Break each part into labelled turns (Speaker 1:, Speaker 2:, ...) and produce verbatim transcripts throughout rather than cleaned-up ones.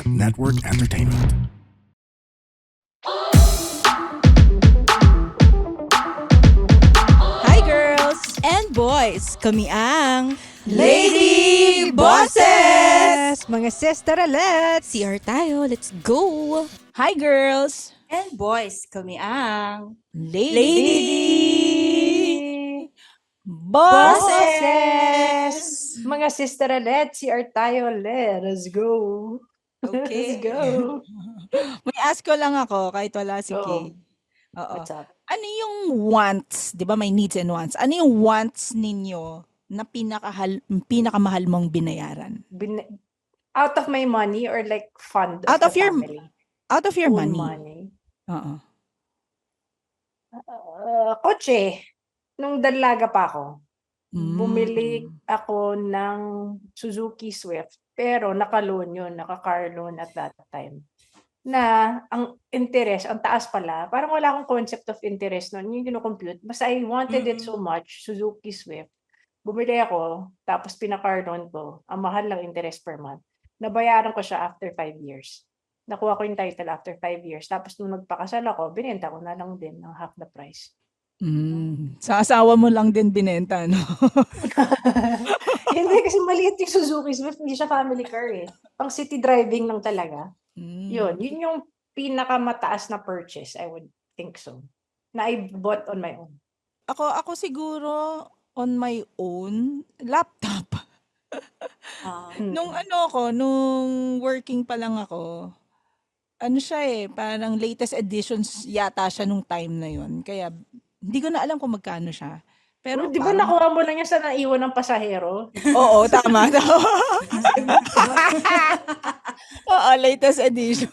Speaker 1: Network Entertainment.
Speaker 2: Hi girls!
Speaker 3: And boys, kami ang
Speaker 2: Lady Bosses!
Speaker 3: Mga sisteralets!
Speaker 2: C R tayo, let's go!
Speaker 3: Hi girls!
Speaker 4: And boys, kami ang
Speaker 3: Lady,
Speaker 4: Bosses! Mga sisteralets, C R tayo, let's go!
Speaker 3: Okay.
Speaker 4: Let's go!
Speaker 3: May ask ko lang ako kahit wala si
Speaker 4: Oo.
Speaker 3: Kay. Oo.
Speaker 4: What's up?
Speaker 3: Ano yung wants? Di ba may needs and wants? Ano yung wants ninyo na pinakahal, pinakamahal mong binayaran?
Speaker 4: Bin- out of my money or like fund of
Speaker 3: Out
Speaker 4: the
Speaker 3: of your
Speaker 4: family?
Speaker 3: Out of your
Speaker 4: Own
Speaker 3: money.
Speaker 4: money.
Speaker 3: Oo.
Speaker 4: Uh, kotse. Nung dalaga pa ako,
Speaker 3: Mm.
Speaker 4: bumili ako ng Suzuki Swift. Pero naka-loan yun, naka-car loan at that time. Na ang interest, ang taas pala, parang wala akong concept of interest noon, yung kino-compute. Basta I wanted it so much, Suzuki Swift. Bumili ako, tapos pinaka-car loan ko. Ang mahal lang interest per month. Nabayaran ko siya after five years. Nakuha ko yung title after five years. Tapos nung nagpakasal ako, binenta ko na lang din ng half the price.
Speaker 3: Mm. Sa asawa mo lang din binenta, no?
Speaker 4: Hindi, kasi maliit yung Suzuki Swift. Hindi siya family car eh. Pang city driving lang talaga.
Speaker 3: Mm.
Speaker 4: Yun, yun yung pinakamataas na purchase, I would think so. Na I bought on my own.
Speaker 3: Ako ako siguro on my own laptop.
Speaker 4: Ah,
Speaker 3: Nung ano ako, nung working pa lang ako, ano siya eh, parang latest editions yata siya nung time na yun. Kaya hindi ko na alam kung magkano siya. Pero
Speaker 4: Pero di ba
Speaker 3: parang-
Speaker 4: nakuha mo lang yan sa naiwan ng pasahero?
Speaker 3: Oo, tama. Oo, latest edition.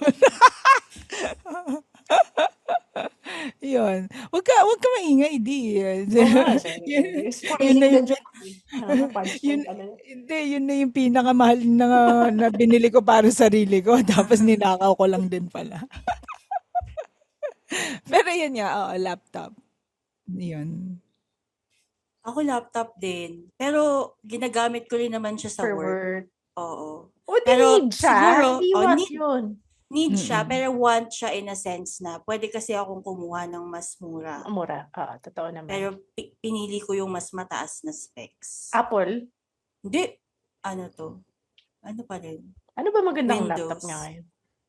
Speaker 3: Yun. Wag ka, wag ka maingay, di. Yun- yun na yung- yun, hindi, yun na yung pinakamahal na, na binili ko para sa sarili ko. Tapos ninakaw ko lang din pala. Pero yun nga, oo, laptop. Yun.
Speaker 5: Ako laptop din. Pero ginagamit ko rin naman siya sa
Speaker 4: For
Speaker 5: work.
Speaker 4: work.
Speaker 5: Oo.
Speaker 4: O, di
Speaker 5: Pero
Speaker 4: need siya.
Speaker 5: siguro,
Speaker 4: Hindi
Speaker 5: oh,
Speaker 4: want
Speaker 5: need-
Speaker 4: yun.
Speaker 5: Need siya,
Speaker 3: Mm-mm.
Speaker 5: pero want siya in a sense na pwede kasi akong kumuha ng mas mura.
Speaker 4: Mura. Oo, totoo naman.
Speaker 5: Pero pi- pinili ko yung mas mataas na specs.
Speaker 4: Apple,
Speaker 5: Hindi. Ano to? Ano pa rin?
Speaker 4: ano ba magandang
Speaker 5: Windows.
Speaker 4: laptop niya ngayon?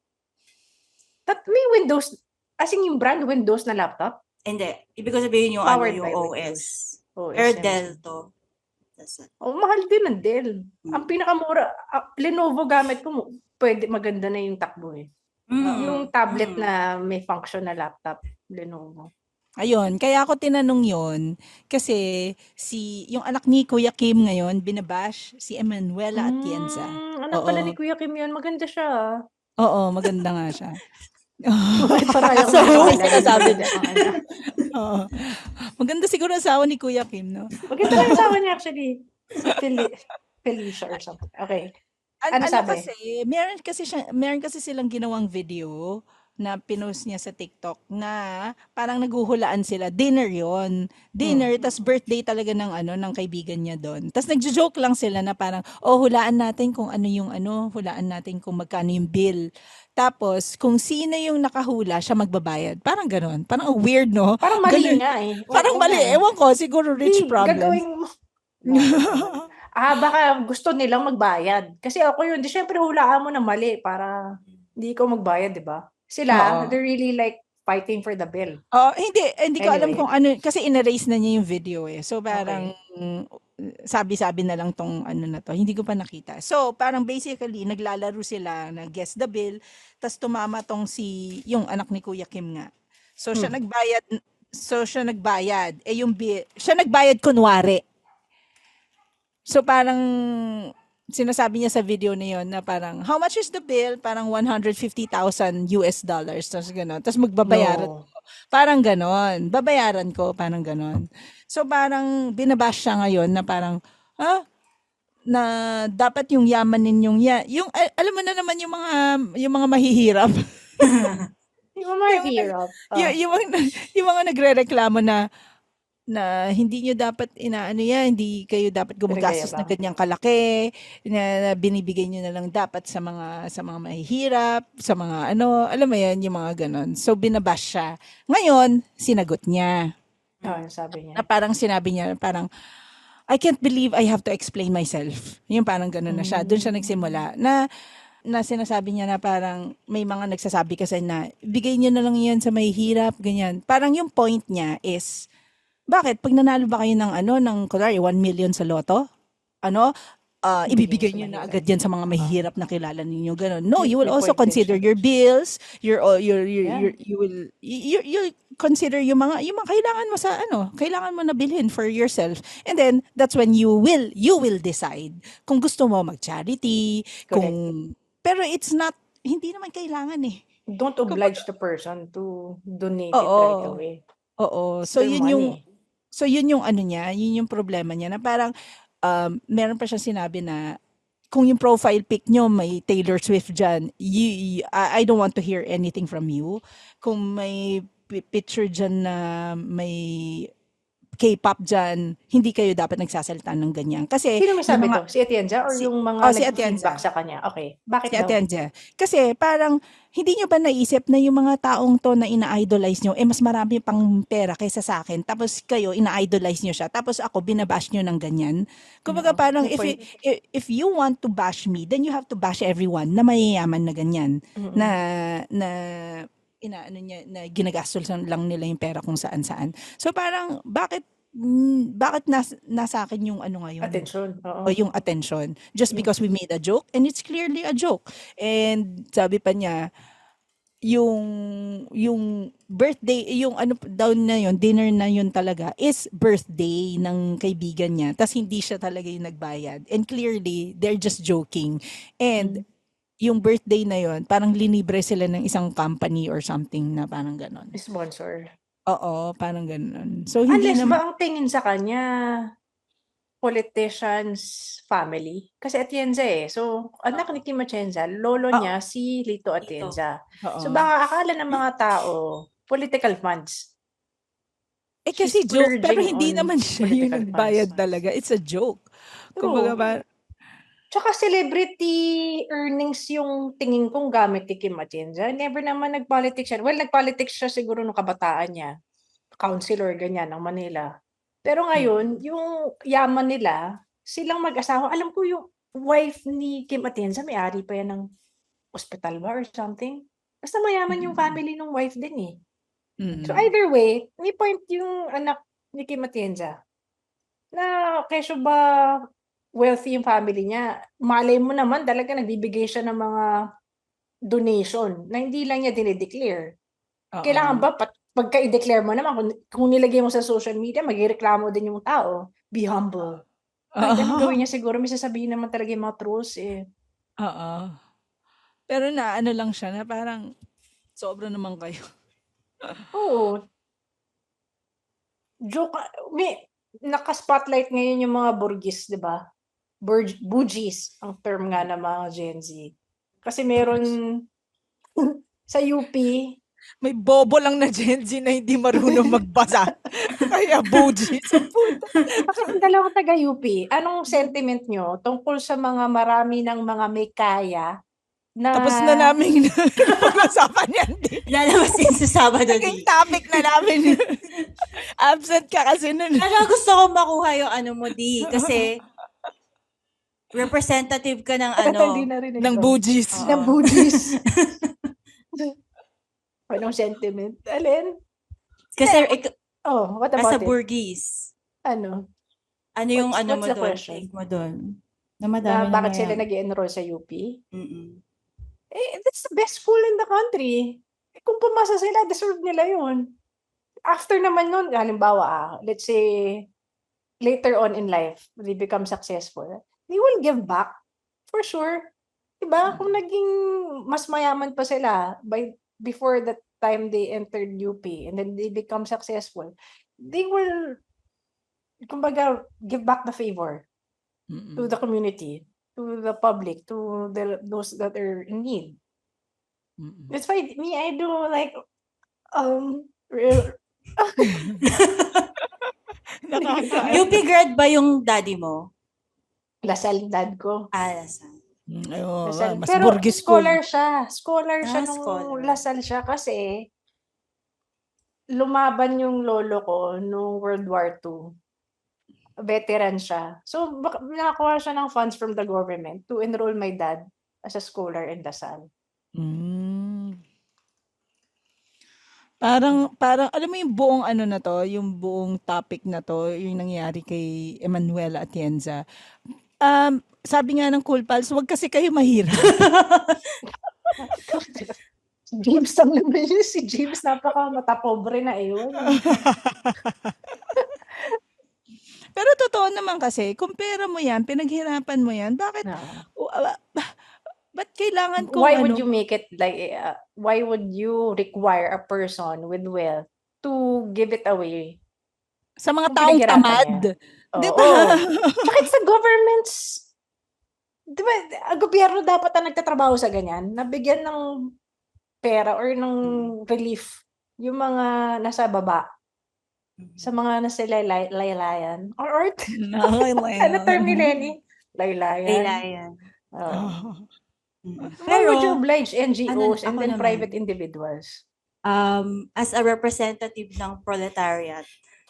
Speaker 4: Tat may Windows, as in yung brand Windows na laptop?
Speaker 5: Hindi. Ibig ko sabihin yung, ano,
Speaker 4: Powered
Speaker 5: yung
Speaker 4: by
Speaker 5: O
Speaker 4: Windows.
Speaker 5: S.
Speaker 4: O S,
Speaker 5: Pero
Speaker 4: M S.
Speaker 5: Dell to. That's it.
Speaker 4: Oh, mahal din ng Dell. Ang
Speaker 5: Mm.
Speaker 4: pinakamura, ah, Lenovo gamit ko, mo- pwede, maganda na yung takbo eh.
Speaker 5: Mm.
Speaker 4: Yung tablet
Speaker 5: Mm.
Speaker 4: na may function na laptop, Lenovo.
Speaker 3: Ayun, kaya ako tinanong yon kasi si yung anak ni Kuya Kim ngayon binabash si Emanuela Atienza.
Speaker 4: Mm, anak
Speaker 3: Oo.
Speaker 4: pala ni Kuya Kim yun, maganda siya. ah.
Speaker 3: Oo, maganda nga siya.
Speaker 4: Parang
Speaker 3: So,
Speaker 4: may
Speaker 3: sinasabi
Speaker 4: niya. ano.
Speaker 3: Oo. Maganda siguro ang asawa ni Kuya Kim, no?
Speaker 4: Maganda lang yung asawa niya actually. Si Fel- Felicia or something. Okay.
Speaker 3: An-
Speaker 4: Ano
Speaker 3: ano
Speaker 4: sabi?
Speaker 3: kasi, meron kasi siya, meron kasi silang ginawang video na pinost niya sa TikTok na parang naghuhulaan sila. Dinner yon Dinner, tas birthday talaga ng ano ng kaibigan niya doon. Tas nagjo-joke lang sila na parang, oh, hulaan natin kung ano yung ano, hulaan natin kung magkano yung bill. Tapos, kung sino yung nakahula, siya magbabayad. Parang ganon. Parang ang weird, no?
Speaker 4: Parang mali
Speaker 3: Ganun.
Speaker 4: nga eh. Oo,
Speaker 3: Parang
Speaker 4: oo
Speaker 3: mali.
Speaker 4: nga eh.
Speaker 3: Ewan ko, siguro rich
Speaker 4: Hindi,
Speaker 3: problems.
Speaker 4: gagawin mo. Ah, baka gusto nilang magbayad. Kasi ako yun, di syempre hulaan mo na mali para hindi ikaw magbayad, di ba? Sila,
Speaker 3: Oo.
Speaker 4: they're really like fighting for the bill.
Speaker 3: Oh, hindi hindi ko alam
Speaker 4: Anyway.
Speaker 3: kung ano kasi in-erase na niya yung video eh. So parang mm, sabi-sabi na lang tong ano na to. Hindi ko pa nakita. So parang basically naglalaro sila na guess the bill, tas tumama tong si yung anak ni Kuya Kim nga. So siya
Speaker 4: Hmm.
Speaker 3: nagbayad so siya nagbayad. Eh yung bill, siya nagbayad kunwari. So parang sinasabi niya sa video na yon na parang how much is the bill? Parang one hundred fifty thousand U S dollars. Tapos gano'n. Tapos magbabayaran.
Speaker 4: No.
Speaker 3: Parang ganon. Babayaran ko, parang ganon. So parang binabash siya ngayon na parang, ah, na dapat yung yaman ninyong, ya, yung, al- alam mo na naman yung mga, yung mga mahihirap.
Speaker 4: Yung mga hirap.
Speaker 3: yung, yung, mga, yung mga nagre-reklamo na, na hindi nyo dapat inaano yan, hindi kayo dapat gumagastos ng
Speaker 4: Pinagayabang.
Speaker 3: ganyang kalaki, na, na binibigay nyo na lang dapat sa mga sa mga mahihirap, sa mga ano, alam mo yan, yung mga ganon. So binabash siya. Ngayon, sinagot niya.
Speaker 4: Oh, yung sabi
Speaker 3: Na
Speaker 4: niya.
Speaker 3: parang sinabi niya, parang, I can't believe I have to explain myself. Yung parang ganon na siya. Doon siya nagsimula. Na na sinasabi niya na parang may mga nagsasabi kasi na bigay niyo na lang yan sa mahihirap, ganyan. Parang yung point niya is, bakit? Pag nanalo ba kayo ng ano, ng kunwari one million sa loto, ano, ah, ibibigay
Speaker 4: Ibigay sa
Speaker 3: niyo na
Speaker 4: mahirap.
Speaker 3: agad yan sa mga mahihirap na kilala ninyo, gano'n. No,
Speaker 4: May-
Speaker 3: you will
Speaker 4: may
Speaker 3: also
Speaker 4: point din
Speaker 3: consider
Speaker 4: siya.
Speaker 3: your bills, your, uh, your, your,
Speaker 4: Yeah.
Speaker 3: your you will, you, you consider yung mga, yung mga kailangan mo sa ano, kailangan mo na bilhin for yourself. And then, that's when you will, you will decide kung gusto mo mag-charity, kung, pero it's not, hindi naman kailangan eh.
Speaker 4: Don't oblige the person to donate it
Speaker 3: Oo.
Speaker 4: right away.
Speaker 3: Oo.
Speaker 4: It's
Speaker 3: So,
Speaker 4: their
Speaker 3: yun yung,
Speaker 4: money.
Speaker 3: So yun yung ano niya, yun yung problema niya na parang um, meron pa siya sinabi na kung yung profile pic nyo may Taylor Swift dyan, you, you- I, I don't want to hear anything from you. Kung may pi- picture dyan na may K-pop dyan, hindi kayo dapat nagsasalita ng ganyan. Kasi
Speaker 4: Sino may sabi
Speaker 3: yung mga-
Speaker 4: to? Si Atienza or
Speaker 3: Si-
Speaker 4: yung mga
Speaker 3: oh, si
Speaker 4: nag-feedback
Speaker 3: Atienza.
Speaker 4: sa kanya? Okay. Bakit
Speaker 3: si
Speaker 4: daw?
Speaker 3: Atienza. Kasi parang hindi nyo ba naisip na yung mga taong to na ina-idolize nyo, eh mas marami pang pera kaysa sa akin. Tapos kayo, ina-idolize nyo siya. Tapos ako, binabash nyo ng ganyan. Kumbaga
Speaker 4: Oo,
Speaker 3: parang
Speaker 4: may
Speaker 3: if,
Speaker 4: point.
Speaker 3: you- if, if you want to bash me, then you have to bash everyone na mayayaman na ganyan.
Speaker 4: Mm-mm.
Speaker 3: Na, na, inaano niya, na ginagastos lang nila yung pera kung saan-saan. So parang, bakit, mm, bakit nas, nasa akin yung ano ngayon?
Speaker 4: Attention.
Speaker 3: O
Speaker 4: Oo.
Speaker 3: yung attention just
Speaker 4: Mm.
Speaker 3: because we made a joke and it's clearly a joke. And sabi pa niya yung yung birthday yung ano daw na yun, dinner na yun talaga is birthday ng kaibigan niya. Tas hindi siya talaga yung nagbayad. And clearly they're just joking. And
Speaker 4: Mm.
Speaker 3: yung birthday na yun, parang linibre sila ng isang company or something na parang ganon.
Speaker 4: Sponsor.
Speaker 3: Oo, parang ganon. So hindi
Speaker 4: Unless
Speaker 3: naman
Speaker 4: ba ang tingin sa kanya politician's family? Kasi Atienza eh. So, anak ni Kim Atienza, lolo
Speaker 3: Oo.
Speaker 4: niya si Lito Atienza.
Speaker 3: Oo.
Speaker 4: So, baka akala ng mga tao, political funds.
Speaker 3: Eh kasi
Speaker 4: She's
Speaker 3: joke, pero
Speaker 4: splurging
Speaker 3: hindi
Speaker 4: on
Speaker 3: naman siya yung
Speaker 4: political
Speaker 3: nagbayad
Speaker 4: funds.
Speaker 3: talaga. It's a joke. Kumbaga
Speaker 4: True.
Speaker 3: ba,
Speaker 4: Tsaka celebrity earnings yung tingin kong gamit ni Kim Atienza. Never naman nag-politics siya. Well, nag-politics siya siguro nung kabataan niya. Councilor, ganyan, ng Manila. Pero ngayon, yung yaman nila, silang mag-asawa. Alam ko yung wife ni Kim Atienza, may-ari pa yan ng hospital ba or something. Basta mayaman yung
Speaker 3: Mm.
Speaker 4: family ng wife din eh.
Speaker 3: mm,
Speaker 4: So either way, may point yung anak ni Kim Atienza na kesyo ba wealthy yung family niya. Malay mo naman talaga nagbibigay siya ng mga donation na hindi lang niya dinideclare.
Speaker 3: oo.
Speaker 4: Kailangan ba pag, pagka i-declare mo naman kung, kung nilagay mo sa social media, magreklamo din yung tao. Be humble. Kahit anong gawin niya siguro, may sasabihin naman talaga yung mga trolls eh.
Speaker 3: Oo. Pero na ano lang siya na parang sobra naman kayo.
Speaker 4: Oo. Joke, may naka-spotlight ngayon yung mga burgis, di ba? Burg, bougies, ang term nga ng mga Gen Z. Kasi meron sa U P,
Speaker 3: May bobo lang na Gen Z na hindi marunong magbasa. Kaya buji. Sa puta.
Speaker 4: Ang dalawang taga-U P, anong sentiment nyo tungkol sa mga marami ng mga may kaya na...
Speaker 3: Tapos na namin pag-usapan yan. Di.
Speaker 5: Lalabas din sa Sabado
Speaker 3: Naging
Speaker 5: di.
Speaker 3: topic na namin. Absent ka kasi nun.
Speaker 5: Pero gusto ko makuha yung ano mo di. Kasi representative ka ng ano.
Speaker 4: Hindi narinig
Speaker 3: Ng
Speaker 4: ko.
Speaker 3: bujis.
Speaker 5: Oo.
Speaker 4: Ng bougies. Anong sentiment? Alin?
Speaker 5: Kasi ik-
Speaker 4: Oh, what
Speaker 5: as
Speaker 4: about
Speaker 5: a
Speaker 4: it?
Speaker 5: Burgese,
Speaker 4: Ano?
Speaker 5: ano yung
Speaker 4: What's-
Speaker 5: ano
Speaker 4: what's
Speaker 5: mo
Speaker 4: the
Speaker 5: doon?
Speaker 4: question?
Speaker 5: Take mo doon. Na
Speaker 4: Na
Speaker 5: madami
Speaker 4: bakit
Speaker 5: na
Speaker 4: sila
Speaker 5: yan.
Speaker 4: nag-enroll sa U P?
Speaker 5: Mm-mm.
Speaker 4: Eh, that's the best school in the country. Eh, kung pumasa sila, deserve nila yun. After naman nun, halimbawa, ah, let's say, later on in life, they become successful, they will give back. For sure. Diba? Kung naging mas mayaman pa sila by before that time they entered U P and then they become successful, they will, kumbaga, give back the favor
Speaker 3: Mm-mm.
Speaker 4: to the community, to the public, to the those that are in need.
Speaker 3: Mm-mm.
Speaker 4: That's why me, I do like um real
Speaker 3: Nakaka-
Speaker 5: U P grad ba yung daddy mo?
Speaker 4: Lasal dad ko.
Speaker 5: Ah, Lasal.
Speaker 3: Mm, ayun,
Speaker 4: Lasal.
Speaker 3: mas
Speaker 4: Pero
Speaker 3: burgis school.
Speaker 4: scholar siya. Scholar siya
Speaker 5: Ah,
Speaker 4: nung
Speaker 5: scholar.
Speaker 4: Lasal siya kasi lumaban yung lolo ko nung World War Two. Veteran siya. So, bak- nakakuha siya ng funds from the government to enroll my dad as a scholar in Lasal.
Speaker 3: Mm. Parang, parang, alam mo yung buong ano na to, yung buong topic na to, yung nangyari kay Emanuela Atienza. Um, sabi nga ng Cool Pals, wag kasi kayo mahirap.
Speaker 4: Si James lang naman yun. Si James napaka matapobre na ewan.
Speaker 3: Pero totoo naman kasi, kung pera mo yan, pinaghirapan mo yan, bakit,
Speaker 4: No.
Speaker 3: uh, uh, ba't kailangan kong
Speaker 4: Why
Speaker 3: ano,
Speaker 4: would you make it like, uh, why would you require a person with wealth to give it away?
Speaker 3: sa mga
Speaker 4: Kung
Speaker 3: taong
Speaker 4: pinaghirapan
Speaker 3: tamad?
Speaker 4: niya.
Speaker 3: Di
Speaker 4: Oo.
Speaker 3: ba?
Speaker 4: Tsaka it's the government's, di ba, ang gobyerno dapat ang nagtatrabaho sa ganyan, nabigyan ng pera or ng relief yung mga nasa baba, sa mga nasa laylay, laylayan. Or, or ano term ni Lenny? Laylayan.
Speaker 5: Laylayan.
Speaker 4: Oo.
Speaker 3: Oh.
Speaker 5: Mm.
Speaker 4: Why would you
Speaker 5: Pero,
Speaker 4: oblige N G Os
Speaker 5: ano,
Speaker 4: and
Speaker 5: ako
Speaker 4: then
Speaker 5: naman.
Speaker 4: private individuals?
Speaker 5: um, as a representative ng proletariat,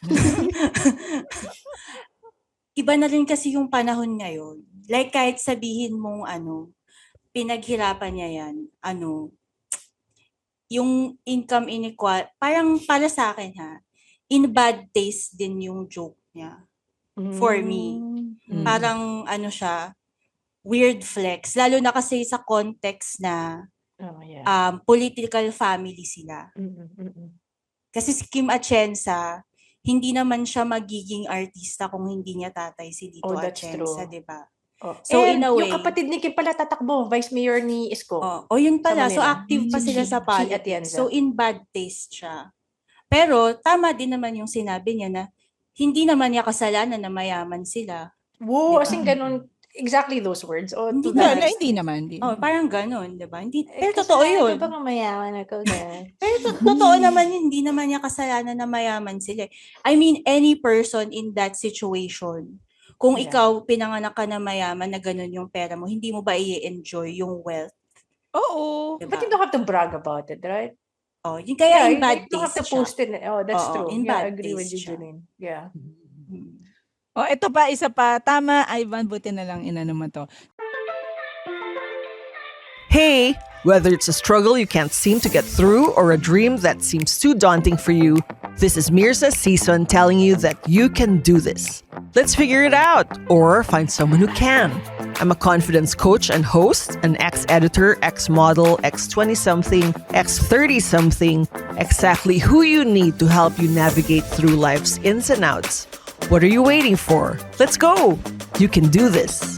Speaker 5: iba na rin kasi yung panahon ngayon. Like kahit sabihin mong ano, pinaghirapan niya yan, ano, yung income inequality, parang para sa akin ha, in bad taste din yung joke niya. For me.
Speaker 4: Mm.
Speaker 5: Parang ano siya, weird flex. Lalo na kasi sa context na
Speaker 4: Oh, yeah.
Speaker 5: um, political family sila.
Speaker 4: Mm, mm, mm.
Speaker 5: Kasi si Kim Atienza, hindi naman siya magiging artista kung hindi niya tatay si Lito
Speaker 4: Oh, that's
Speaker 5: Atienza,
Speaker 4: true.
Speaker 5: di ba?
Speaker 4: Oh.
Speaker 5: So,
Speaker 4: And
Speaker 5: in a way-
Speaker 4: yung kapatid ni Kim pala tatakbo, vice mayor ni Isko.
Speaker 5: Oh, oh yun pala.
Speaker 4: Sa
Speaker 5: So,
Speaker 4: Manila.
Speaker 5: active pa
Speaker 3: Mm.
Speaker 5: sila
Speaker 4: Si
Speaker 5: sa
Speaker 4: Chi
Speaker 5: politics.
Speaker 4: Atienza.
Speaker 5: So, in bad taste siya. Pero, tama din naman yung sinabi niya na hindi naman niya kasalanan na mayaman sila.
Speaker 4: Woo,
Speaker 5: Diba?
Speaker 4: as in ganun, exactly those words. O,
Speaker 5: Hindi
Speaker 4: to
Speaker 3: Hindi,
Speaker 4: that
Speaker 3: na,
Speaker 5: naman.
Speaker 3: hindi naman. Hindi.
Speaker 5: Oh, parang ganun, di ba? Hindi,
Speaker 4: Eh,
Speaker 5: pero totoo
Speaker 4: kasalanan
Speaker 5: yun.
Speaker 4: ko ba kung mayaman ako? Ganun.
Speaker 5: Pero to- totoo naman yun, hindi naman niya kasalanan na mayaman sila. I mean, any person in that situation, kung
Speaker 4: Yeah.
Speaker 5: ikaw pinanganak ka na mayaman na ganun yung pera mo, hindi mo ba i-enjoy yung wealth?
Speaker 3: Oo.
Speaker 5: Diba?
Speaker 4: But you don't have to brag about it, right?
Speaker 5: Oh, yun kaya
Speaker 4: you,
Speaker 5: in bad
Speaker 4: you don't have
Speaker 5: taste
Speaker 4: to
Speaker 5: siya.
Speaker 4: post it. Oh, that's
Speaker 5: Oo,
Speaker 4: true.
Speaker 5: in
Speaker 4: Yeah, I
Speaker 5: bad
Speaker 4: agree with
Speaker 5: taste
Speaker 4: you,
Speaker 5: siya.
Speaker 4: Julene. Yeah.
Speaker 5: Hmm.
Speaker 3: Oh, ito pa, isa pa. Tama, Ivan, buti na lang inano mo to.
Speaker 1: Hey! Whether it's a struggle you can't seem to get through or a dream that seems too daunting for you, this is Mirza Season telling you that you can do this. Let's figure it out or find someone who can. I'm a confidence coach and host, an ex-editor, ex-model, ex twenty-something, ex thirty-something, exactly who you need to help you navigate through life's ins and outs. What are you waiting for? Let's go! You can do this.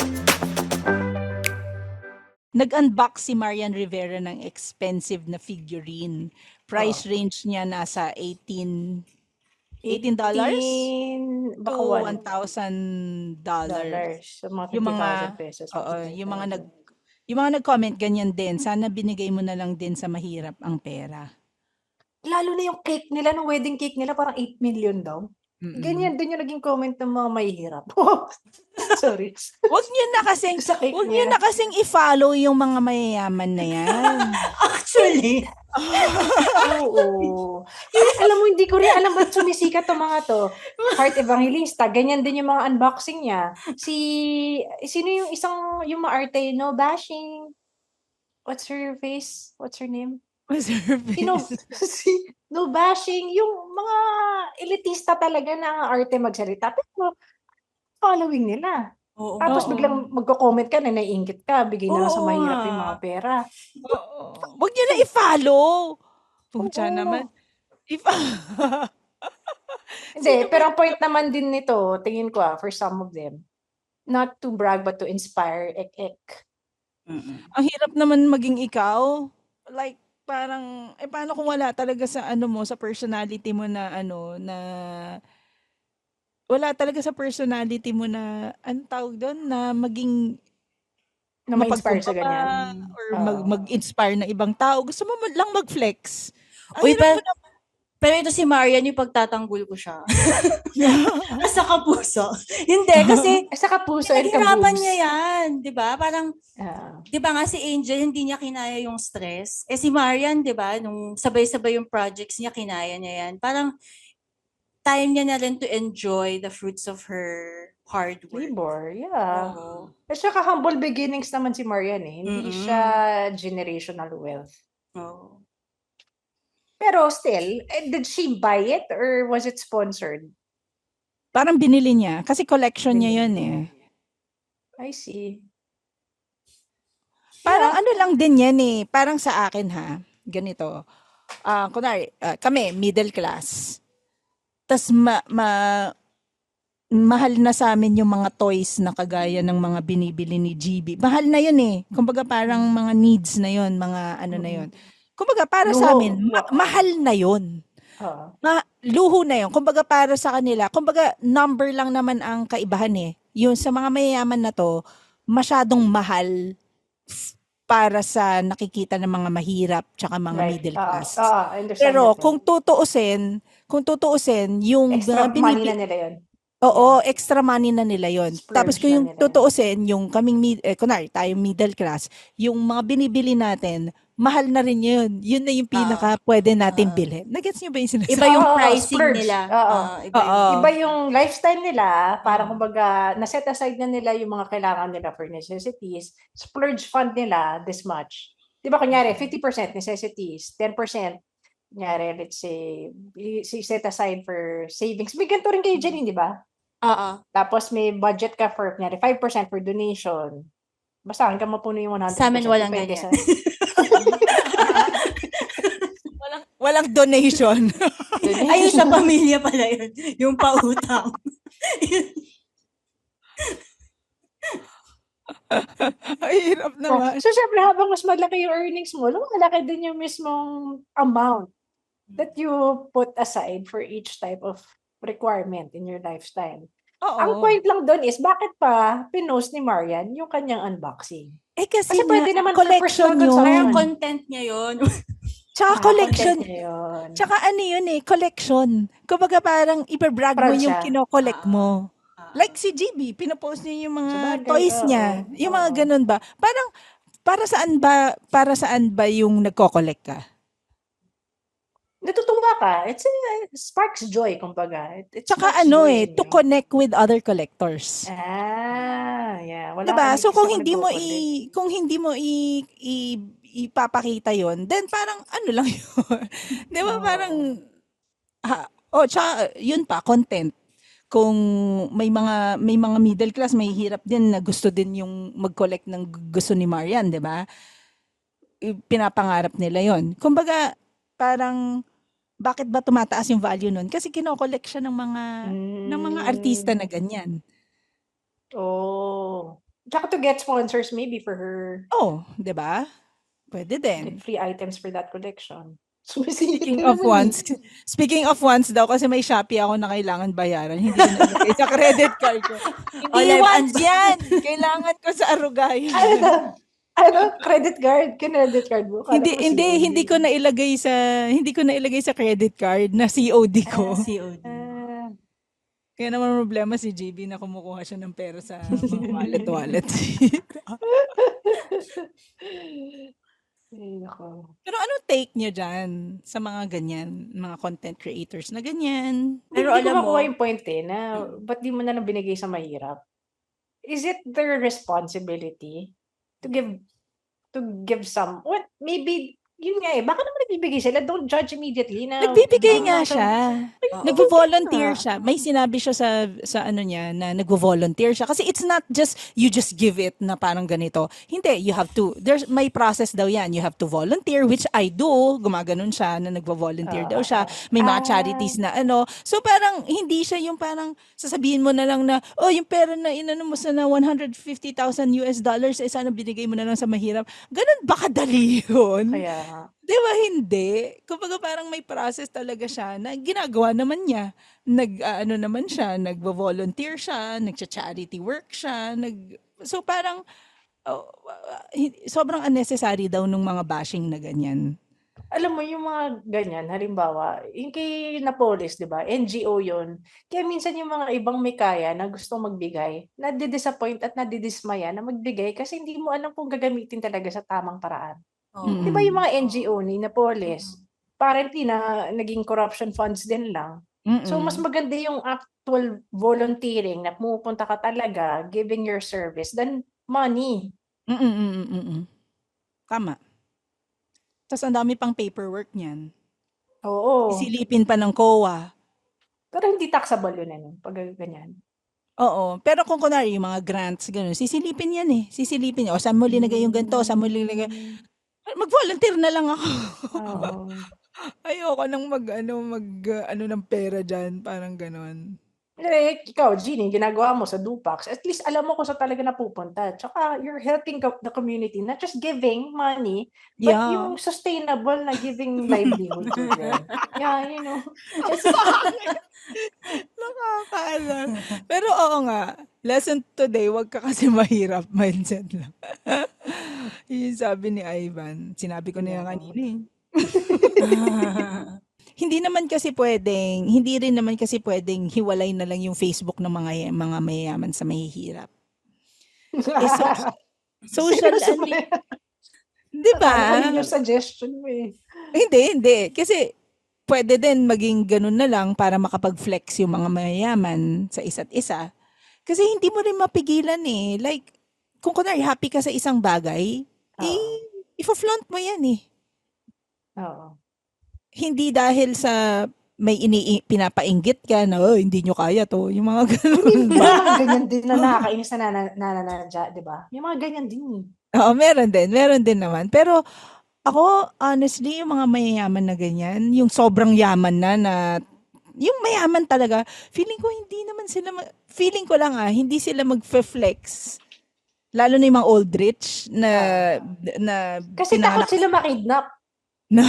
Speaker 3: Nag-unbox si Marian Rivera ng expensive na figurine. Price range niya nasa eighteen eighteen dollars
Speaker 4: eighteen,
Speaker 3: to
Speaker 4: baka
Speaker 3: one
Speaker 4: one
Speaker 3: thousand dollars.
Speaker 4: dollars. So, mga
Speaker 3: Yung
Speaker 4: fifty
Speaker 3: mga
Speaker 4: thousand pesos.
Speaker 3: oo,
Speaker 4: fifty-five
Speaker 3: yung mga nag
Speaker 4: thousand.
Speaker 3: yung mga nag-comment ganyan din. Sana binigay mo na lang din sa mahirap ang pera.
Speaker 4: Lalo na yung cake nila, ng wedding cake nila, parang eight million daw.
Speaker 3: Mm-mm.
Speaker 4: Ganyan din yung naging comment ng mga mahihirap. Sorry.
Speaker 3: Wag niyo na kasing
Speaker 4: Sa cake
Speaker 3: wag niyo
Speaker 4: niya.
Speaker 3: na kasing i-follow yung mga mayayaman na yan.
Speaker 5: Actually,
Speaker 4: Oo. Alam mo, hindi ko rin alam ba't sumisikat to mga to. Heart Evangelista, ganyan din yung mga unboxing niya. Si, sino yung isang, yung maarte, no bashing. What's her face? What's her name?
Speaker 3: What's her
Speaker 4: Sino,
Speaker 3: face?
Speaker 4: si, no bashing, yung mga elitista talaga na ang arte magsalita. Pero, following nila.
Speaker 5: oo.
Speaker 4: Tapos
Speaker 3: Oo.
Speaker 4: biglang magko-comment ka na naiingit ka, bigay na lang sa
Speaker 5: Oo
Speaker 4: mahirap
Speaker 5: nga.
Speaker 4: yung mga pera.
Speaker 3: Oo. Wag niyo na i-follow. Pucha
Speaker 4: Oo.
Speaker 3: naman. If
Speaker 4: Hindi, pero ang point naman din nito, tingin ko ah, for some of them, not to brag but to inspire, ek ek.
Speaker 5: Mm-mm.
Speaker 3: ang hirap naman maging ikaw. Like parang eh paano kung wala talaga sa ano mo, sa personality mo na ano na wala talaga sa personality mo na anong tawag doon na maging
Speaker 4: Na ma-inspire sa
Speaker 3: mapagkumbaba
Speaker 4: ganyan.
Speaker 3: or
Speaker 4: Oo.
Speaker 3: mag, mag-inspire na ibang tao. Gusto mo man lang mag-flex. Ang
Speaker 5: Uy,
Speaker 3: hirap
Speaker 5: pa-
Speaker 3: mo na,
Speaker 5: Pero ito si Marian, yung pagtatanggol ko siya. Sa kapuso. Hindi, kasi
Speaker 4: Eh, sa kapuso and
Speaker 5: pinaghirapan
Speaker 4: kaboobs.
Speaker 5: niya yan. Di ba? Parang,
Speaker 4: Ah.
Speaker 5: di ba nga si Angel, hindi niya kinaya yung stress. Eh si Marian, di ba, nung sabay-sabay yung projects niya, kinaya niya yan. Parang, time niya na rin to enjoy the fruits of her hard work.
Speaker 4: Labor, yeah.
Speaker 5: Oo.
Speaker 4: At saka humble beginnings naman si Marian eh. Hindi
Speaker 5: Mm-mm.
Speaker 4: siya generational wealth.
Speaker 5: Oo.
Speaker 4: Pero still, eh, did she buy it or was it sponsored?
Speaker 3: Parang binili niya. Kasi collection niya
Speaker 4: Binili
Speaker 3: yun
Speaker 4: niya.
Speaker 3: eh.
Speaker 4: I see.
Speaker 3: Parang
Speaker 4: Yeah.
Speaker 3: ano lang din yan eh. Parang sa akin ha. Ganito. Ah, kunwari, ah, kami, middle class. Tas ma, ma- mahal na sa amin yung mga toys na kagaya ng mga binibili ni G B. Mahal na yun eh. Kumbaga parang mga needs na yun, mga ano na yun. Kumbaga para sa
Speaker 4: Luho.
Speaker 3: amin, ma- mahal na yun.
Speaker 4: Oo.
Speaker 3: Ma- luho na yun. Kumbaga para sa kanila, kumbaga number lang naman ang kaibahan eh. Yung sa mga mayayaman na to, masyadong mahal f- para sa nakikita ng mga mahirap tsaka mga
Speaker 4: Right.
Speaker 3: middle
Speaker 4: Oo.
Speaker 3: class.
Speaker 4: Oo, I understand
Speaker 3: Pero
Speaker 4: that
Speaker 3: kung
Speaker 4: one.
Speaker 3: tutuusin, kung tutuusin, yung
Speaker 4: Extra
Speaker 3: mga
Speaker 4: money
Speaker 3: binibi-
Speaker 4: na nila yun.
Speaker 3: Oo, extra money na nila yon.
Speaker 4: Splurge
Speaker 3: Tapos kung
Speaker 4: na
Speaker 3: yung
Speaker 4: nila yun.
Speaker 3: tutuusin, yung kaming, mid- eh, kunwari, tayo middle class, yung mga binibili natin, mahal na rin yun. Yun na yung pinaka pwede natin
Speaker 5: Ah.
Speaker 3: bilhin. Nagets niyo ba yung sinasabi?
Speaker 5: Iba yung
Speaker 4: Oo,
Speaker 5: pricing
Speaker 4: splurge.
Speaker 5: nila.
Speaker 4: Oo.
Speaker 5: Ah, iba yung,
Speaker 3: Oo.
Speaker 4: Iba yung lifestyle nila, parang
Speaker 5: Oo.
Speaker 4: kumbaga, naset aside na nila yung mga kailangan nila for necessities. Splurge fund nila this much. Di ba, kunyari, fifty percent necessities, ten percent, kunyari, let's say, i- i- set aside for savings. May ganito rin kayo, Janine, di ba?
Speaker 5: Oo.
Speaker 4: Tapos may budget ka for, kunyari, five percent for donation. Basta hanggang mapuno yung one hundred percent.
Speaker 5: Sa amin walang
Speaker 4: Depende
Speaker 5: ganyan.
Speaker 4: sa-
Speaker 3: Walang, walang donation.
Speaker 5: Ayun, sa pamilya pala yun. Yung pautang.
Speaker 3: Ay, hirap naman.
Speaker 4: So, syempre, habang mas malaki yung earnings mo, lumalaki din yung mismong amount that you put aside for each type of requirement in your lifestyle.
Speaker 3: Oo.
Speaker 4: Ang point lang doon is, bakit pa pinost ni Marian yung kanyang unboxing?
Speaker 3: Eh kasi,
Speaker 4: Kasi pwede
Speaker 3: nga,
Speaker 4: naman for
Speaker 3: collection
Speaker 4: personal
Speaker 3: yun.
Speaker 4: consumption.
Speaker 5: Parang content niya yun.
Speaker 3: Tsaka
Speaker 4: Ah,
Speaker 3: collection.
Speaker 4: content niya yun.
Speaker 3: Tsaka ano yun eh, collection. Kumbaga parang ipabrag mo
Speaker 4: Proud
Speaker 3: yung
Speaker 4: siya.
Speaker 3: kinokollect
Speaker 5: Ah.
Speaker 3: mo.
Speaker 5: Ah.
Speaker 3: Like si G B, pinopost niya yung mga
Speaker 4: Sabagay,
Speaker 3: toys
Speaker 4: oo,
Speaker 3: niya. Yung mga
Speaker 4: oo.
Speaker 3: ganun ba? Parang, para saan ba, para saan ba yung nagko-collect ka?
Speaker 4: Natutuwa ka. It's a, sparks joy, kumbaga. It, it
Speaker 3: Tsaka
Speaker 4: sparks
Speaker 3: ano
Speaker 4: joy
Speaker 3: eh,
Speaker 4: in
Speaker 3: to
Speaker 4: you.
Speaker 3: connect with other collectors.
Speaker 4: Ah, yeah. Wala
Speaker 3: Diba?
Speaker 4: kami
Speaker 3: So
Speaker 4: kasi
Speaker 3: kung
Speaker 4: ako
Speaker 3: hindi mo
Speaker 4: nagko-collect.
Speaker 3: i kung hindi mo i, i ipapakita 'yon, then parang ano lang 'yun. 'Di ba?
Speaker 4: Oo.
Speaker 3: Parang ha, oh, tsaka yun pa content. Kung may mga may mga middle class, may hirap din na gusto din yung mag-collect ng gu- gusto ni Marian, 'di ba? I- Pinapangarap nila 'yon. Kumbaga parang bakit ba tumataas yung value nun? Kasi kino-collect siya ng mga ng mga artista na
Speaker 4: Mm.
Speaker 3: ganyan.
Speaker 4: Oh. Tsaka to get sponsors maybe for her.
Speaker 3: Oh, 'di ba? Pwede din.
Speaker 4: Get free items for that collection. Sumisingit
Speaker 3: Speaking
Speaker 4: na
Speaker 3: of
Speaker 4: naman
Speaker 3: ones, speaking of ones daw, kasi may Shopee ako na kailangan bayaran. Hindi ko nalagay sa credit card ko.
Speaker 5: Oh,
Speaker 3: Hindi
Speaker 5: live
Speaker 3: ones
Speaker 5: unbox-
Speaker 3: yan! Kailangan ko sa Arugay.
Speaker 4: eh. Ano daw? Ano? Credit card? Credit card mo? Kala
Speaker 3: hindi,
Speaker 4: ko
Speaker 3: hindi,
Speaker 4: C O D.
Speaker 3: hindi ko na ilagay sa, hindi ko na ilagay sa credit card na C O D ko.
Speaker 5: C O D.
Speaker 4: Ah,
Speaker 3: Kaya naman problema si J B na kumukuha siya ng pera sa mga wallet-wallet.
Speaker 4: ay, nako.
Speaker 3: Pero ano take niyo dyan sa mga ganyan, mga content creators na ganyan?
Speaker 5: Pero
Speaker 4: Hindi ko
Speaker 5: alam mo,
Speaker 4: makuha yung point eh, na ba't di mo na lang binigay sa mahirap? Is it their responsibility to give to give some, what, maybe, yun nga eh, baka naman nagbibigay sila, don't judge immediately na.
Speaker 3: Nagbibigay
Speaker 4: Hindi
Speaker 3: nga
Speaker 4: mo to-
Speaker 3: siya.
Speaker 5: Oo.
Speaker 3: Nagvo-volunteer
Speaker 4: nga.
Speaker 3: siya. May sinabi siya sa sa ano niya na nagvo-volunteer siya kasi it's not just you just give it na parang ganito. Hindi, you have to there's may process daw 'yan. You have to volunteer, which I do. Gumaganon siya na nagvo-volunteer daw siya. May mga
Speaker 4: Ah.
Speaker 3: charities na ano. So parang hindi siya yung parang sasabihin mo na lang na oh, yung pera na inano mo sa na one hundred fifty thousand U S dollars eh sana binigay mo na lang sa mahirap. Ganun ba kadali 'yun?
Speaker 4: Kaya nga.
Speaker 3: Di ba hindi? Kumbaga parang may process talaga siya na ginagawa naman niya. Nag, ah, ano naman siya, nagvo-volunteer siya, nagcha-charity work siya, nag... So parang, oh, ah, hin- sobrang unnecessary daw nung mga bashing na ganyan.
Speaker 4: alam mo yung mga ganyan, halimbawa, yung kay Napoles, 'di ba? N G O 'yun. Kaya minsan yung mga ibang may kaya na gustong magbigay, nadi-disappoint at nadidismaya na magbigay kasi hindi mo alam kung gagamitin talaga sa tamang paraan. 'Di ba
Speaker 3: Mm.
Speaker 4: yung mga N G O
Speaker 5: Oo.
Speaker 4: ni
Speaker 5: Mm.
Speaker 4: Napoles, apparently na naging corruption funds din lang. So mas
Speaker 3: Mm.
Speaker 4: maganda yung actual volunteering na pumupunta ka talaga, giving your service than money.
Speaker 3: Mm, mm, mm. Tama. Tas ang dami pang paperwork niyan.
Speaker 4: Oo.
Speaker 3: Sisilipin pa ng C O A.
Speaker 4: Pero hindi taxable yun ano, pag ganyan.
Speaker 3: Oo, pero kung kunwari yung mga grants gano'n, sisilipin 'yan, eh, sisilipin, "O saan mo linagay yung ganito, saan mo linagay"
Speaker 4: Hmm.
Speaker 3: mag-volunteer na lang ako.
Speaker 4: Oo.
Speaker 3: Ayoko ng mag-ano, mag-ano ng pera diyan, parang gano'n.
Speaker 4: Eh, ikaw Jeanie, ginagawa mo sa Dupax, at least alam mo kung saan talaga napupunta. Tsaka you're helping co the community, not just giving money, but
Speaker 3: Yeah.
Speaker 4: yung sustainable na giving livelihood to them. Yeah, you know, just
Speaker 3: Nakakaano. Pero oo nga, lesson today, wag ka kasi mahirap, mindset lang. Yun yung sabi ni Ivan. Sinabi ko na yan
Speaker 4: Yeah.
Speaker 3: kanina, eh. Hindi naman kasi puwedeng hindi rin naman kasi puwedeng hiwalay na lang yung Facebook ng mga ya mga mayayaman sa mahihirap. Eh, soc social
Speaker 4: Seryoso
Speaker 3: ano,
Speaker 4: ba yan?
Speaker 3: 'di ba?
Speaker 4: Akala ko yun yung suggestion mo, eh.
Speaker 3: Hindi, hindi. Kasi puwede din maging gano'n na lang para makapag-flex yung mga mayayaman sa isa't isa. Kasi hindi mo rin mapigilan, eh. Like, kung kunwari happy ka sa isang bagay,
Speaker 4: Oo.
Speaker 3: eh, ifo-flaunt mo yan, eh.
Speaker 4: Oo.
Speaker 3: Hindi dahil sa may ini pinapainggit ka na, "Oh, hindi niyo kaya 'to." Yung mga
Speaker 4: I
Speaker 3: gano'n
Speaker 4: mean, may
Speaker 3: ba?
Speaker 4: mga ganyan din na nakakainis na nana nananadya, 'di ba? May mga ganyan din, eh.
Speaker 3: Oo, meron din, meron din naman. Pero ako, honestly, yung mga mayayaman na ganyan, yung sobrang yaman na na yung mayaman talaga, feeling ko hindi naman sila ma feeling ko lang, ah, hindi sila magfe-flex. Lalo na yung mga old rich na
Speaker 4: Oo.
Speaker 3: na
Speaker 4: Kasi takot
Speaker 3: pinanganak
Speaker 4: sila ma-kidnap.
Speaker 3: na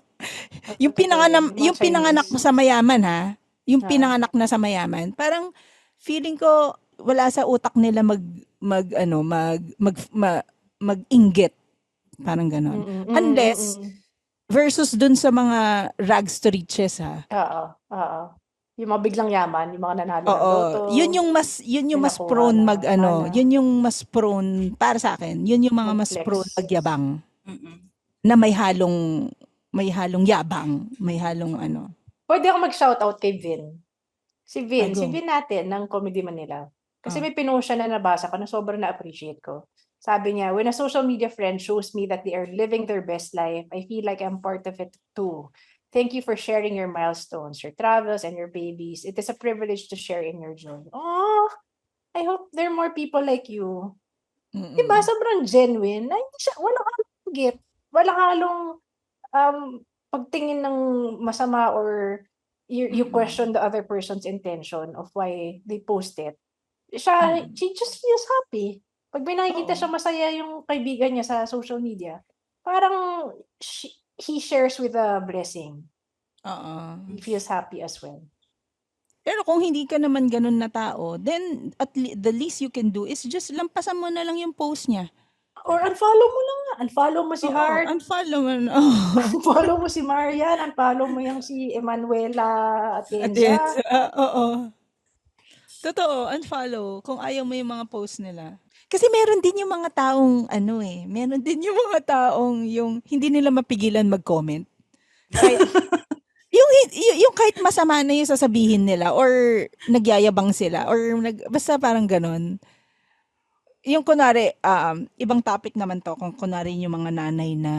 Speaker 3: yung
Speaker 4: Totoo
Speaker 3: pinanganam
Speaker 4: yun, yung mga
Speaker 3: yung pinanganak mo
Speaker 4: Chinese.
Speaker 3: sa mayaman, ha, yung
Speaker 4: Oo.
Speaker 3: pinanganak na sa mayaman, parang feeling ko wala sa utak nila mag mag-ano, mag mag ma mag-inggit, parang gano'n.
Speaker 4: Mm, mm,
Speaker 3: Unless
Speaker 4: mm.
Speaker 3: versus dun sa mga rags to riches, ha.
Speaker 4: Oo, oo. Yung mga biglang yaman, yung mga nanalo ng
Speaker 3: Oo,
Speaker 4: loto,
Speaker 3: yun yung mas yun yung
Speaker 4: may
Speaker 3: mas
Speaker 4: nakuha
Speaker 3: prone
Speaker 4: na
Speaker 3: mag-ano,
Speaker 4: mana,
Speaker 3: yun yung mas prone para sa'kin, yun yung mga mas prone
Speaker 4: mag-flex.
Speaker 3: magyabang,
Speaker 5: Mm.
Speaker 3: na may halong may halong yabang, may halong ano.
Speaker 4: Puwede ako mag-shoutout kay Vin. Si
Speaker 3: Ah,
Speaker 4: Vin, si
Speaker 3: go.
Speaker 4: Vin natin ng Comedy Manila. Kasi
Speaker 3: Oh.
Speaker 4: may pinost siya na nabasa ko na sobrang na-appreciate ko. Sabi niya, "When a social media friend shows me that they are living their best life, I feel like I'm part of it too. Thank you for sharing your milestones, your travels, and your babies. It is a privilege to share in your joy." Oh, I hope there are more people like you. 'Di ba,
Speaker 3: Mm.
Speaker 4: sobrang genuine na hindi siya walang halong inggit, walang halong, um, pagtingin ng masama or you you
Speaker 5: Mm.
Speaker 4: question the other person's intention of why they post it. Siya
Speaker 3: Mm.
Speaker 4: she just feels happy. 'Pag may nakikita
Speaker 3: Oo.
Speaker 4: siya masaya yung kaibigan niya sa social media, parang she he shares with a blessing.
Speaker 3: Oo.
Speaker 4: He feels happy as well.
Speaker 3: Pero kung hindi ka naman gano'n na tao, then at le the least you can do is just lampasan mo na lang yung post niya.
Speaker 4: Or unfollow mo lang nga, unfollow mo si
Speaker 3: Oo,
Speaker 4: Heart,
Speaker 3: unfollow mo na, oo.
Speaker 4: unfollow mo si Marian, unfollow mo yang si Emanuela Atienza.
Speaker 3: Atienza, oo. Totoo, unfollow kung ayaw mo yung mga post nila. Kasi meron din yung mga taong ano, eh, meron din yung mga taong yung hindi nila mapigilan mag-comment. Kahit yung hi yu yung kahit masama na yung sasabihin nila or nagyayabang sila or nag basta parang gano'n. Yung kunwari, um, ibang topic naman 'to kung kunwari yung mga nanay na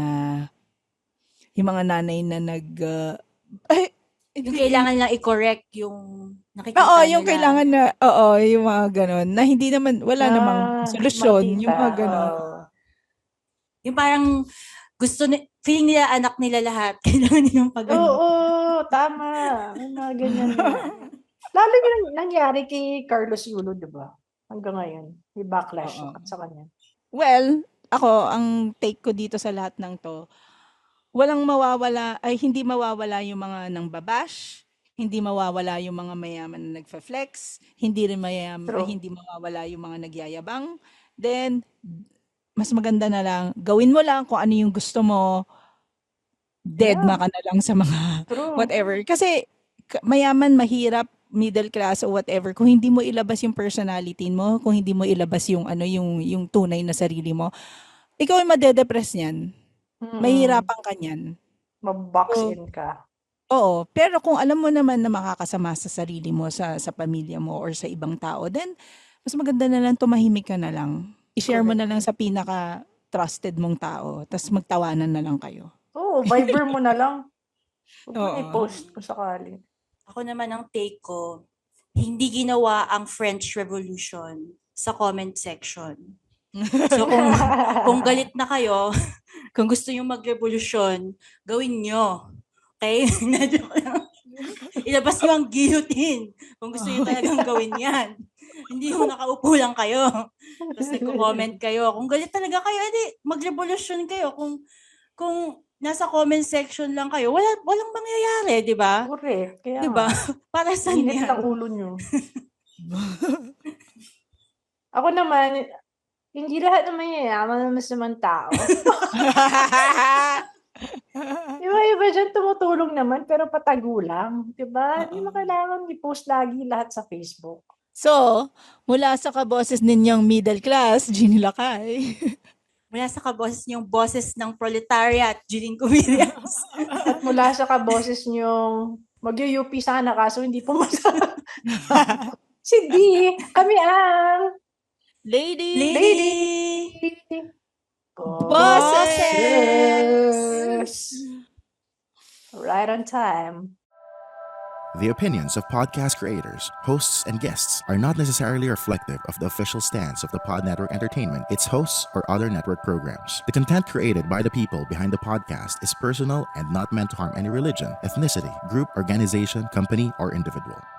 Speaker 3: yung mga nanay na nag, ah, ay
Speaker 5: Yung
Speaker 3: hindi
Speaker 5: kailangan lang i-correct yung
Speaker 3: oo,
Speaker 5: nakikita
Speaker 3: yung
Speaker 5: nila.
Speaker 3: kailangan na oo, yung mga gano'n na hindi naman wala namang
Speaker 4: Ah, mga
Speaker 3: solusyon, yung
Speaker 4: tita,
Speaker 3: mga gano'n.
Speaker 4: oo.
Speaker 5: Yung parang gusto ni feeling nila anak nila lahat, kailangan nilang pagano.
Speaker 4: Oo, tama. May mga ganyan nga. Lalo yung nangyari kay Carlos Yulo, 'di ba? Hanggang ngayon, may backlash
Speaker 3: Oo.
Speaker 4: sa kanya.
Speaker 3: Well, ako ang take ko dito sa lahat ng 'to, walang mawawala ay hindi mawawala yung mga nangba-bash, hindi mawawala yung mga mayaman na nagfe-flex, hindi rin mayam ay
Speaker 4: True.
Speaker 3: hindi mawawala yung mga nagyayabang. Then, mas maganda na lang gawin mo lang kung ano yung gusto mo. deadma
Speaker 4: Yeah.
Speaker 3: ka na lang sa mga
Speaker 4: True.
Speaker 3: whatever. Kasi k- mayaman, mahirap, middle class o whatever, kung hindi mo ilabas yung personality mo, kung hindi mo ilabas yung ano yung yung tunay na sarili mo, ikaw ay madedepress niyan.
Speaker 4: Mm-mm.
Speaker 3: Mahirapan ka niyan.
Speaker 4: Mabox
Speaker 3: So,
Speaker 4: in ka.
Speaker 3: oo, pero kung alam mo naman na makakasama sa sarili mo, sa sa pamilya mo or sa ibang tao, then mas maganda na lang tumahimik ka na lang. I-share mo
Speaker 4: Correct.
Speaker 3: na lang sa pinaka trusted mong tao, tapos magtawanan na lang kayo.
Speaker 4: Oo, Viber mo na lang. Huwag mo na
Speaker 3: Oo.
Speaker 4: i-post kung sakali.
Speaker 5: Ako naman ang take ko, hindi ginawa ang French Revolution sa comment section. So kung, kung galit na kayo, kung gusto nyo mag-revolusyon, gawin nyo. Okay? Na-joke lang. Ilabas nyo ang guillotine kung gusto nyo talagang gawin yan. Hindi yung nakaupo lang kayo. Tapos nagko-comment kayo. Kung galit talaga kayo, edi mag-revolusyon kayo. Kung kung nasa comment section lang kayo, wala walang mangyayari, di ba?
Speaker 4: Correct. Kaya
Speaker 5: Di ba?
Speaker 4: nga.
Speaker 5: Para saan
Speaker 4: Init
Speaker 5: yan?
Speaker 4: ng ulo nyo. Ako naman, hindi lahat naman yayaman naman naman tao. Iba-iba dyan tumutulong naman, pero patago lang. Diba? Hindi mo
Speaker 3: Oo.
Speaker 4: kailangan i-post lagi lahat sa Facebook.
Speaker 3: So, mula sa kaboses ninyong middle class, Jeannie Lakay.
Speaker 5: Mula sa kaboses niyong boses ng proletariat, Jeline Cumillas.
Speaker 4: At mula sa kaboses nyong mag-U P sana kaso hindi pumasa. Si D, kami ang
Speaker 3: Lady!
Speaker 5: Lady!
Speaker 3: Bosses!
Speaker 4: Right on time.
Speaker 6: The opinions of podcast creators, hosts, and guests are not necessarily reflective of the official stance of the Pod Network Entertainment, its hosts, or other network programs. The content created by the people behind the podcast is personal and not meant to harm any religion, ethnicity, group, organization, company, or individual.